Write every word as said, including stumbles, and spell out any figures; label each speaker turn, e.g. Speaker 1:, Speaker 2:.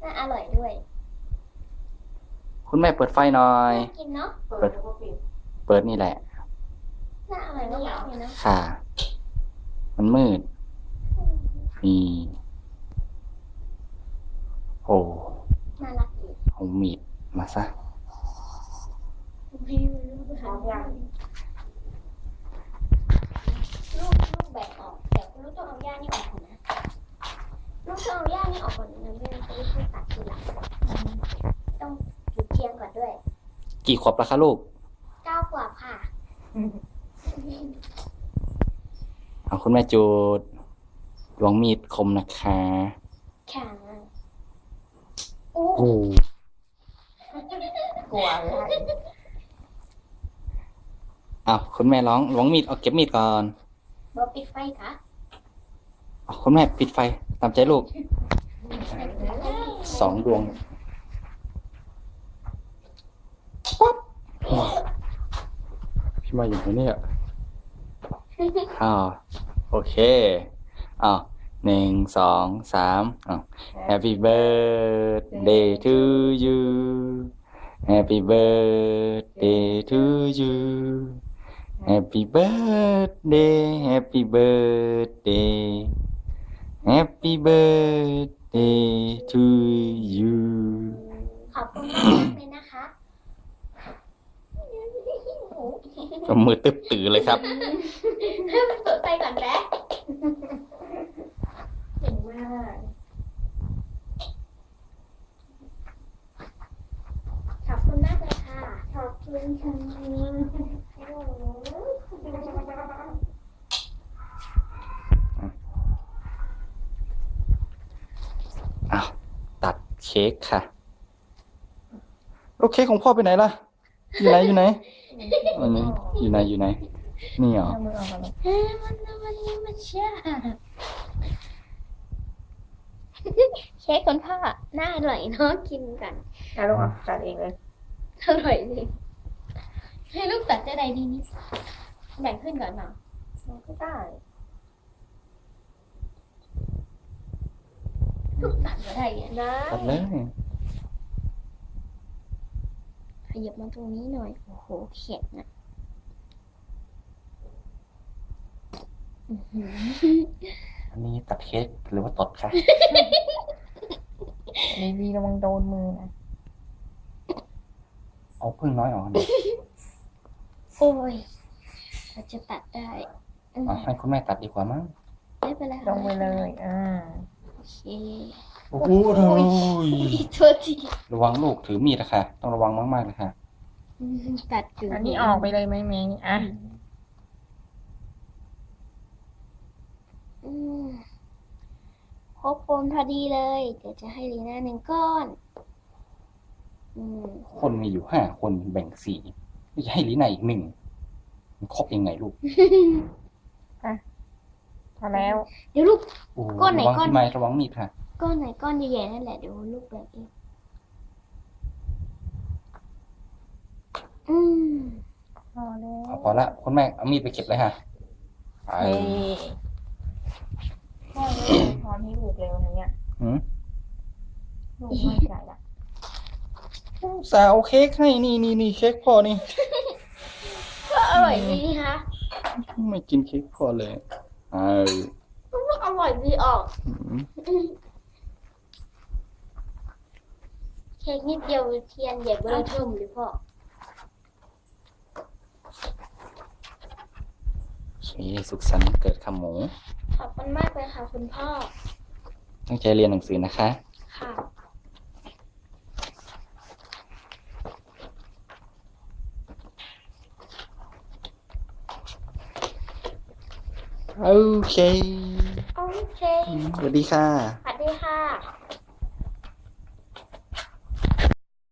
Speaker 1: น่าอร่อยด้วย
Speaker 2: คุณแม่เปิดไฟหน่อย
Speaker 1: น่ากินเนาะ
Speaker 3: เปิดแล้วก็ปิด
Speaker 2: เปิดนี่แหละ
Speaker 1: น่าอร่อยมากๆเลยเนาะ
Speaker 2: ค่ะ มันมืดนี่โอ้
Speaker 1: น่ารักดี
Speaker 2: เอามีดมาซะ
Speaker 1: ไม่รู้
Speaker 3: พร้อมยัง
Speaker 1: ลูกลูกแบกออกแต่ลูกต้องเอาหญ้านี่ออกก่อนนะลูกต้องเอาหญ้านี่ออกก่อนนะไม่งั้นจะไม่ค่อยตัดทีหลังต้องจุดเทียนก่อนด้วย
Speaker 2: กี่ขวบแล้วคะลูก
Speaker 1: เก้าขวบค่ะ
Speaker 2: เอาคุณแม่จูดดวงมีดคมนะคะ
Speaker 1: แข็งโอ้
Speaker 2: โอ้
Speaker 3: กลัวอะไร
Speaker 2: เอาคุณแม่ร้องล้วงมีดเอาเก็บมีดก่อน
Speaker 1: บอปิดไฟค่ะ
Speaker 2: เอาคุณแม่ปิดไฟตามใจลูกสองดวงป๊อบพี่มาอยู่ไหนเนี่ยอ้าวโอเคอ้าวหนึ่งสองสามอ้าว Happy birthday to you Happy birthday to you Happy birthday Happy birthday Happy birthday to you
Speaker 1: ขอบคุณมากๆเลยนะคะ
Speaker 2: ก็มือตึ๊บตื่อเลยครับ
Speaker 1: ให้มันเปิดไฟก่อนแป๊บ
Speaker 3: เก่งมาก
Speaker 1: ขอบคุณมากเลยค่ะ ขอบคุณค่ะโอ้โห
Speaker 2: อ้าวตัดเค้กค่ะแล้วเค้กของพ่อไปไหนล่ะ อยู่ไหนอยู่ไหนอันนี้อยู่ไหนอยู่ไหน นี่เหรอ
Speaker 3: เอามือออกมาเลย
Speaker 1: เฮ้ยมันมันมันเชื่อเค้กคนพ่อน่าอร่อยเนาะกินกัน
Speaker 3: เอาลูกอ่ะจัดเองเลย
Speaker 1: อร่อยจริงให้ลูกตัดจะได้ดีนี่แบ่งขึ้นก่อนเนาะ
Speaker 3: มันก็ได้
Speaker 1: ลูกตัดมาได้เนี่ย
Speaker 3: ได้
Speaker 2: ตัดเลย
Speaker 1: ขยับมาตรงนี้หน่อย โอ้โหแข็งอ่ะอื้อหือ
Speaker 2: อันนี้ตัดเค้กหรือว่าตดค่ะ
Speaker 3: ดีๆระวังโดนมือนะ
Speaker 2: เอาพึ่งน้อยออกหน่อย
Speaker 1: โอ้ยเราจะตัดได้อืม
Speaker 2: อ่ะให้คุณแม่ตัดดีกว่ามั้ง
Speaker 1: ไม่เป็นไร
Speaker 3: ลงไปเลยอ่า
Speaker 1: โอเค
Speaker 2: โอ้โห
Speaker 1: อีกโทษที
Speaker 2: ระวังลูกถือมีดนะคะต้องระวังมากๆเลยค่ะ
Speaker 1: อืมตัดอยู่
Speaker 3: อันนี้ออกไปเลยไหมเมย์อ่ะ
Speaker 1: อืมครบโคนพอดีเลย เดี๋ยวจะให้ลีน่าหนึ่งก้อน อืม
Speaker 2: คนมีอยู่ห้าคนแบ่งสี่จะให้ลีน่าอีกหนึ่งมันครบยังไงลูก
Speaker 3: พอแล้ว
Speaker 1: เดี๋ยวลูก
Speaker 2: โอ้โห
Speaker 1: ก้อนไหน
Speaker 2: ระวัง
Speaker 1: ก้อน
Speaker 2: ที่ไม้ระวังมีดค่ะ
Speaker 1: ก้อนไหนก้อนใหญ่ๆนั่นแหละเดี๋ยวลูกแบ่งเองอืม
Speaker 3: พอแล้ว
Speaker 2: เอาพอละคุณแม่เอามีดไปเก็บเลยค่ะไป
Speaker 3: เฮ้ยพ่อเนี่ยพรให้ลูกเร็วนะเนี่ย
Speaker 2: หืม
Speaker 3: ลูกไม่ใจละ
Speaker 2: สาวเค้กให้นี่นี่นี่เค้กพ่อนี่
Speaker 1: ก็อร่อยดีนี่คะ
Speaker 2: ไม่กินเค้กพ่อเลยเออ
Speaker 1: ก็อร่อยดีออก
Speaker 2: หืม
Speaker 1: เค้กนิดเดียวเทียนใหญ่เบอร์เทิมเลยพ่อ
Speaker 2: โอเคสุขสันต์วันเกิดค่ะหมู
Speaker 1: ขอบคุณมากเลยค่ะคุณพ่อ
Speaker 2: ตั้งใจเรียนหนังสือนะคะ
Speaker 1: ค่ะ
Speaker 2: โอเค
Speaker 1: โอเค
Speaker 2: สวัสดีค่ะ
Speaker 1: สวัสดีค่ะ